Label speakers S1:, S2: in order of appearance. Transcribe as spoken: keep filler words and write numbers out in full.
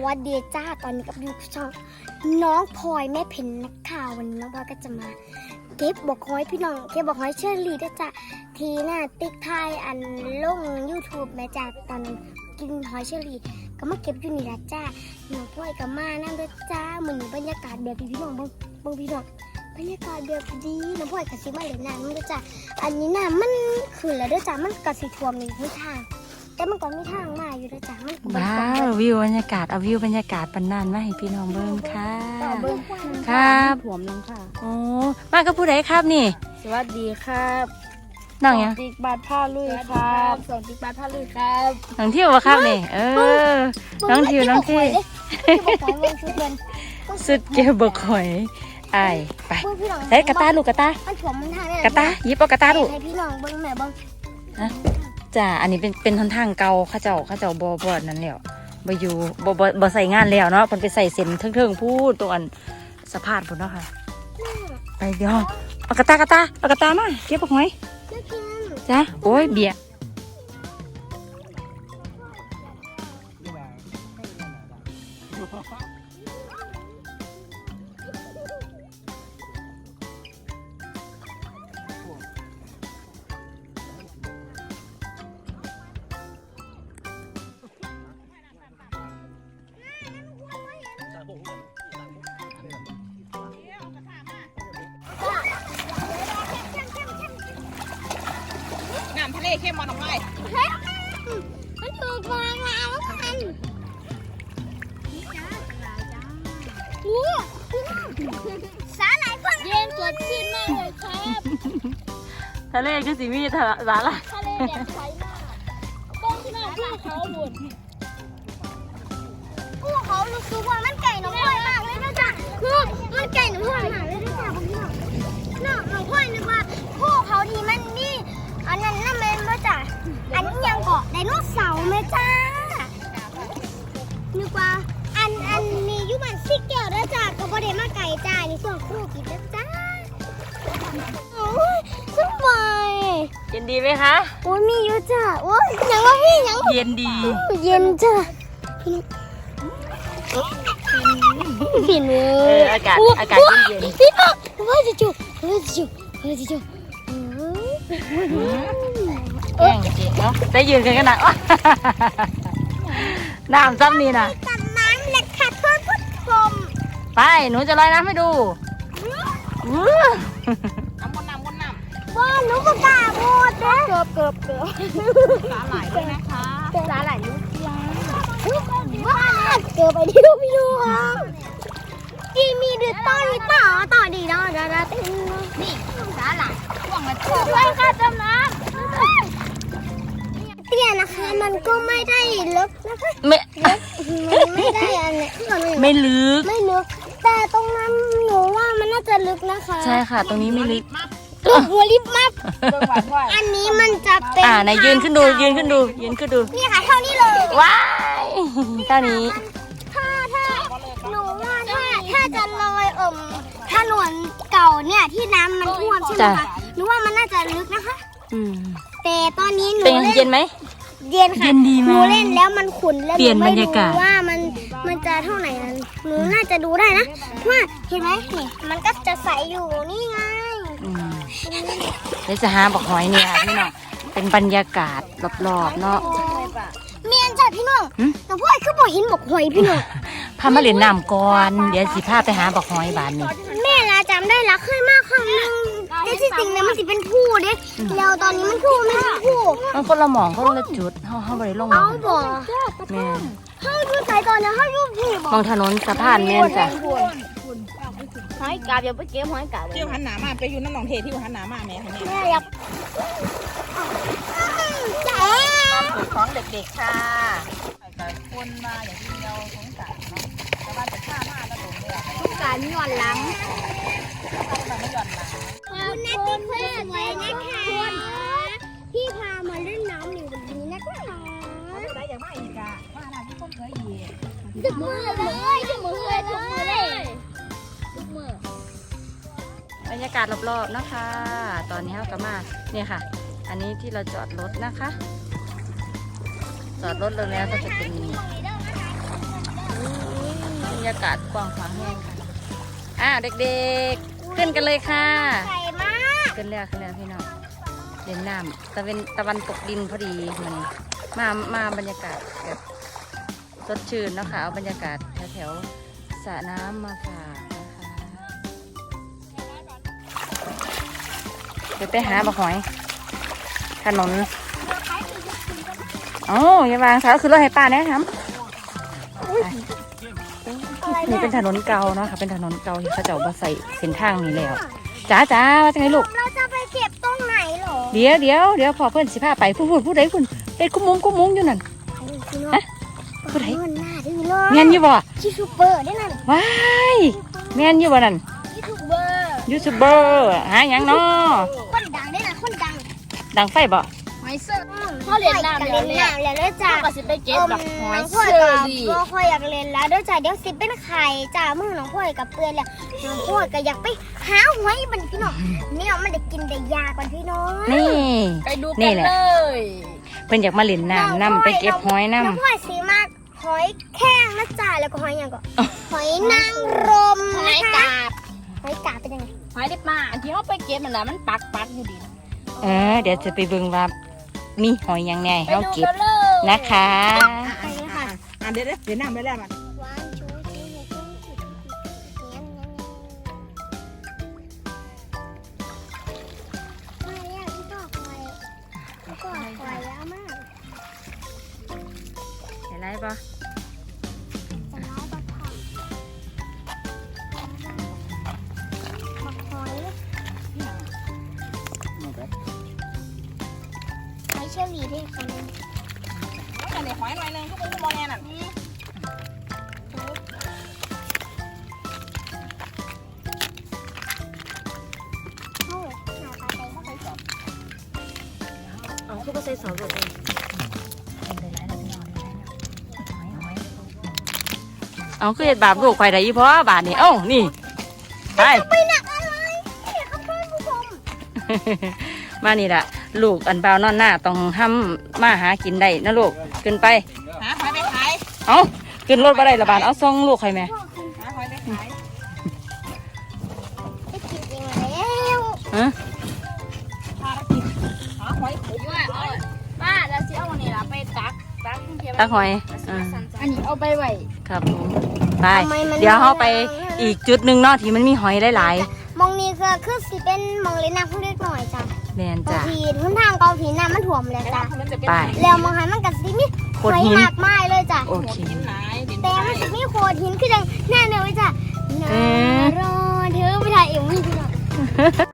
S1: วัสดีจ้าตอนนี้กับยูช่องน้องพลอยแม่เพนนักข่าววันนี้น้องพลอยก็จะมาเก็บบอกหอยพี่น้องเก็บบอกหอยเชอรี่ด้วยจ้ะทีหน้าติ๊กไทยอันลงยูทูบแม่จ้าตอนกินหอยเชอรี่ก็มาเก็บอยู่นี่ละจ้าน้องพลอยก็มานั่งด้วยจ้าเหมือนบรรยากาศแบบพี่น้องบางบางพี่น้องบรรยากาศแบบดีน้องพลอยกับซิมาเล่นน้ำด้วยจ้าอันนี้น้ำมันขึ้นแล้วด้วยจ้ามันกระสีท่วมในทุกทางแต่มันก็มีทางมาอยู่ด้วยจ้ามัน
S2: ว้าววิวบรรยากาศเอาวิวบรรยากาศปันนานมาให้พี่น้องเบิ่งค่ะครับผมน้องค่ะโอ้มากับผู้ใดครับนี่
S3: สวัสดีครับ
S2: น้องยัง
S3: ติ๊กบาทผ้าลุยครับสองติ๊กบาทผ้าลุยครับ
S2: น้องเที่ยววะครับนี่เออน้องเที่ยวน้องเที่ยวสุดเก็บบกหอยไอไปใส่กระตาลูกกระตากระตายิบเอากระตาลูก
S1: ให้พี่น้องเบิ่งแม่เบิ่ง
S2: นะจ้าอันนี้เป็นเป็นทนทางเก่าข้าเจ้าข้าเจ้าบ่บ่นั่นแล้วบ่อยู่บ่บ่บ่ใส่งานแล้วเนาะเพิ่นไปใส่เส้นเทิงๆพูดตรงอันสะพานพุ่นเนาะค่ะไปเดี๋ยวเอากระตากระตาเอากระตามาเก็บบกหอยจ้าโอ้ยเบียร์
S3: น้ำทะเลเข้มมันออกไป
S1: มันถูกวางแล้วกันโอ้สาหร่ายฟังเย็นสดชื่นมากเลยครับ
S2: ทะเลก็สิมีทะเลละ
S1: ทะเลแดดใสมากต้นที่น่าภูเขาหมุนภูเขารู้สึกว่ามันไก่หนุ่มพลอยมากเลยนะจ๊ะคือมันไก่หนุ่มพลอยมากเลยนะจ๊ะพวกพี่น้องน้องหนุ่มพลอยนึกว่าภูเขาที่มันนี่อันนั้นน่ะแม่นบ่จ้ะอันนี้ยังเกาะไดโนเสาร์แม่จ้านึกว่าอันอันนี้อยู่บ้านซิกแก้วนะจ้ะก็บ่ได้มาไก่จ้านี่ส่วนครูกินนะจ้าโอ้ยสบาย
S2: เย็นดีไหมคะ
S1: โอ้ยมีอยู่จ้ะโอ้ยยังว่าพี่ยัง
S2: เย็นดี
S1: เย็นจ้ะพี่พี่เน
S2: เอออากาศอากาศเย็น
S1: ๆพี่น้องว่าจะจุว่าจะจุว่าจะจุ
S2: แย่งจริงเนาะได้ยืนกันขนาดว่าน้ำซ้ำนี่นะ
S1: ตัดน้ำเล็กค่ะเพื่อนผู้ชม
S2: ไปหนูจะลอยน้ำให้ดู
S3: น้ำบนน้ำบนน้ำ
S1: ว่าหนูก็กล้าพูดนะเกือบเกือบเกือบ
S3: สาหร่ายด้วยนะคะ
S1: สาหร่ายลูกยาว่าเกือบไปที่ลูกพี่ลูกที่มีดืดต้อนมีต่อต่อดีเนาะดาดาเต้นนี่สาหร่ายช่วงละช่วงด้วยค่ะจำน้ำเตี้ยนะคะมันก็ไม่ได้ลึกนะคะ
S2: ไม่
S1: ไม่ได้อันนี้
S2: ไม่ลึก
S1: ไม่ลึกแต่ตรงนั้นหนูว่ามันน่าจะลึกนะคะ
S2: ใช่ค่ะตรงนี้ไม่ลึก
S1: หัวลิบมับอันนี้มันจะเป็น
S2: อ่าไหนยืนขึ้นดูยืนขึ้นดูยืนขึ้นดู
S1: นี่ค่ะเท่านี้เลย
S2: ว้ายเท่านี้
S1: ถ้าถ้าหนูว่าถ้าถ้าจะลอยเอิ่มถนนเก่าเนี่ยที่น้ำมันท่วมใช่ไหมคะหนูว่ามันน่าจะลึกนะคะ
S2: อืม
S1: แต่ตอนนี้หนู
S2: เล่นเย็นไหม
S1: เย็นค่ะหนูเล่นแล้วมันขุ่นแล้วหนูไม่รู้ว่ามันมันจะเท่าไหร่นั้นหนูน่าจะดูได้นะว่าเห็นไหมนี่มันก็จะใสอยู่นี่ไง
S2: เดี๋ยวจะหาบอกหอยนี่ค่ะพี่น้องเป็นบรรยากาศรอบๆเนาะ
S1: เมียนจ้ะพี่น้องแต่พวกไอ้คือบอกหินบอกหอยพี่น้อง
S2: พามาเล่นน้ำก่อนเดี๋ยวสิพาไปหาบอกหอยบานนี้
S1: แม่ละจำได้ละเคยมากครั้งนึงแต่ที่จริงเนี่ยมันสิเป็นผู้เด้แล้วตอนนี้มันผู้ไม่ใช่ผู้
S2: มันคนละหมองคนละจุดเขาเขาไปลง
S1: เอาบ่
S2: แม่
S1: เขาดูสายตอนนี้เขาอยู่ที่
S2: มองถนนสะพานแม่นจ้ะ
S3: หอยกาบอย่าไปเก็บหอยกาบเที่ยวหันหนามาไปอยู่น้ำหนองเทที่หันหนามาแม่แ
S1: ม่อยาก
S3: จ้าของเด็กๆค่ะแต่คนมาอย่างที่เราสงสารเนาะแต่ว่าจะฆ่าหน้าก็ตรงเลยสงสารย้อนหลังไม่ย้อนหลัง
S1: คุณนัทที่เพื่อนไว้นะคะพี่พามาเล่นน้ำในวันนี้นะคะ
S3: อะไรอย่างไม่อีกอะว่าอะไรที่คนเคยเหยียบ
S1: จุกมือเลยจุกมือเลยจุกมือเลยจุกมือบ
S2: รรยากาศรอบๆนะคะตอนนี้เราก็มาเนี่ยค่ะอันนี้ที่เราจอดรถนะคะจอดรถแล้วก็จะเป็นยากาศกว้างขวางแห้งค่ะอ้าวเด็กๆขึ้นกันเลยค่ะ
S1: ใส่มาก
S2: ขึ้นแล้วขึ้นแล้วพี่น้องเล่นน้ำตะเวนตะวันตกดินพอดีมันมามาบรรยากาศแบบสดชื่นเนาะคะเอาบรรยากาศแถวๆสระน้ำมาฝากนะคะเดี๋ยวไปหาบะหอยถนนโอ้ยอย่าวางเท้าคือรถให้ป้าแนะครับนี่เป็นถนนเก่าเนาะค่ะเป็นถนนเก่าที่เขาเจ้ามาใส่เส้นทางนี้แล้วจ้าจ้าว่าจังไงลูก
S1: เราจะไปเก็บตรงไหนเหรอ
S2: เดี๋ยวเดี๋ยวเดี๋ยวพอเพื่อนสิพาไปพูดพูดพูดใดคุณเป็นกุ้มมุ้งกุ้มมุ้งอยู่นั่น ฮะผู้ใด
S1: เงินหน้าดื้อเลย
S2: แมนอยู่บ่
S1: ยูทูบเบอร์ได้นั่น
S2: ว้ายแมนอยู่บ่นั่น
S1: ยูทูบเบอร์
S2: ยูทูบเบอร์หาหยังเนาะ
S1: คนดังได้นั่นคนดัง
S2: ดังไฟบ่
S3: หอยเสื้อพ่อเรียนน้ำ
S1: เล่
S3: แล้ว
S1: น
S3: เนี่ย
S1: น้ำแล้วเด้อจ้า
S3: ก็สิไปเก็บแบบหอย
S1: น้องพ่
S3: เสื้
S1: อ
S3: อ
S1: กับ
S3: ดี
S1: พ่อพ่ออยากเล่นแล้วเด้อจ้าเดี๋ยวสิเป็นไข่จ้ามือน้องพ่อกับเปื่อนแล้วน้องพ่อก็อยากไปหาหอยมันพี่น้องเนี่ยมันได้กินได้ยากกว่าพี่น้อง
S2: นี่
S3: ไปดู
S2: นี่
S3: กัน
S2: แหละ
S3: เลย
S2: เพิ่นอยากมาเล่นน้ำน้ำไปเก็บหอยน้
S1: น้องพ่อสีมากหอยแข้งนะจ้าแล้วก็หอยอย่างก็หอยนางรม
S3: หอ
S1: นะ
S3: ย
S1: คะ
S3: กาบ
S1: หอยกาบเป็นยังไง
S3: หอยได้ปลาอันที่เขาไปเก็บมันน่ะมันปักปักอยู่ดี
S2: ำเออเดี๋ยวจะไปเบิ่งว่ามีหอยหยังไง
S3: ไป
S2: เฮา
S3: ดู
S2: เก็บ
S3: กันเลย
S2: นะคะ
S1: ไปเลยค่ะ
S3: อ่ะเดี๋ยวเดี๋ยวเดี๋ยวน้ำไปแล้วมัน
S1: วางชูชีให้ขึ้นจุดมาแล้วพี่ก็คอยพี่ก็คอยแล้วมาก
S2: เห็นไรบ่
S1: จะร้ายบักผักบักหอยหอยเชอรี่ด้วยค่ะ
S3: อันนี้หอยหน่อยหนึงทุกคนทุกโมแน่น่ะ
S1: เข้าเลยหาปลาใจเข้าไปสอบ
S2: เอาคือบ่ใส่ซอสบ่เองเอาคือเฮ็ดบาปลูกข่อยได้อีพ่อบาดนี้เอ้านี่ไป
S1: ไปหนักอะไรเนี่ยครับท่านผู้ชม
S2: มานี่ล่ะลูกอันเบาวนอนหน้าต้องห้ามมาหากินได้นะลูกขึ้นไป
S3: หาหอยไปขาย
S2: เอาขึ้นรถมาได้ละบาทเอาส่งลูกใครไหม
S3: หาหอยไปขาย
S1: ได้กินเองแล้ว
S2: ฮะ
S3: ภารกิจหาหอยขมว่าเอาป้าแล้วสิเอาอันนี้ล่ะไปตักตักเก็บไว้
S2: ตาหอยอ่า
S3: อันนี้เอาไปไว้
S2: ครับผมไปเดี๋ยวเขาไปอีกจุดหนึ่งเนาะที่มันมีหอยหลาย
S1: มองนี่ก็คือสิเป็นมองเล่นน้ำผู้เล็กหน่อยจ้ะ
S2: ๆแมน
S1: บาง
S2: จ้ะ
S1: ทีทุนทางเกาผีน้ำมันถ่วมแล้วจ้ะ
S3: มันจะเป็น
S2: ไป
S1: แล้วมองหันมันก็สิมี
S2: โข
S1: ห
S2: ด
S1: อย
S2: หิน
S1: มากมายเลยจ้ะ
S2: โอเค
S3: กินหลายดิน
S1: แต่
S3: ห
S1: มั
S3: ลาน ย
S1: จะมีโขดหินคือจังแน่เลยจ้ะ
S2: เอ๊ะ
S1: รอเธอไปถ่ายเอ็มวีพี่น้อง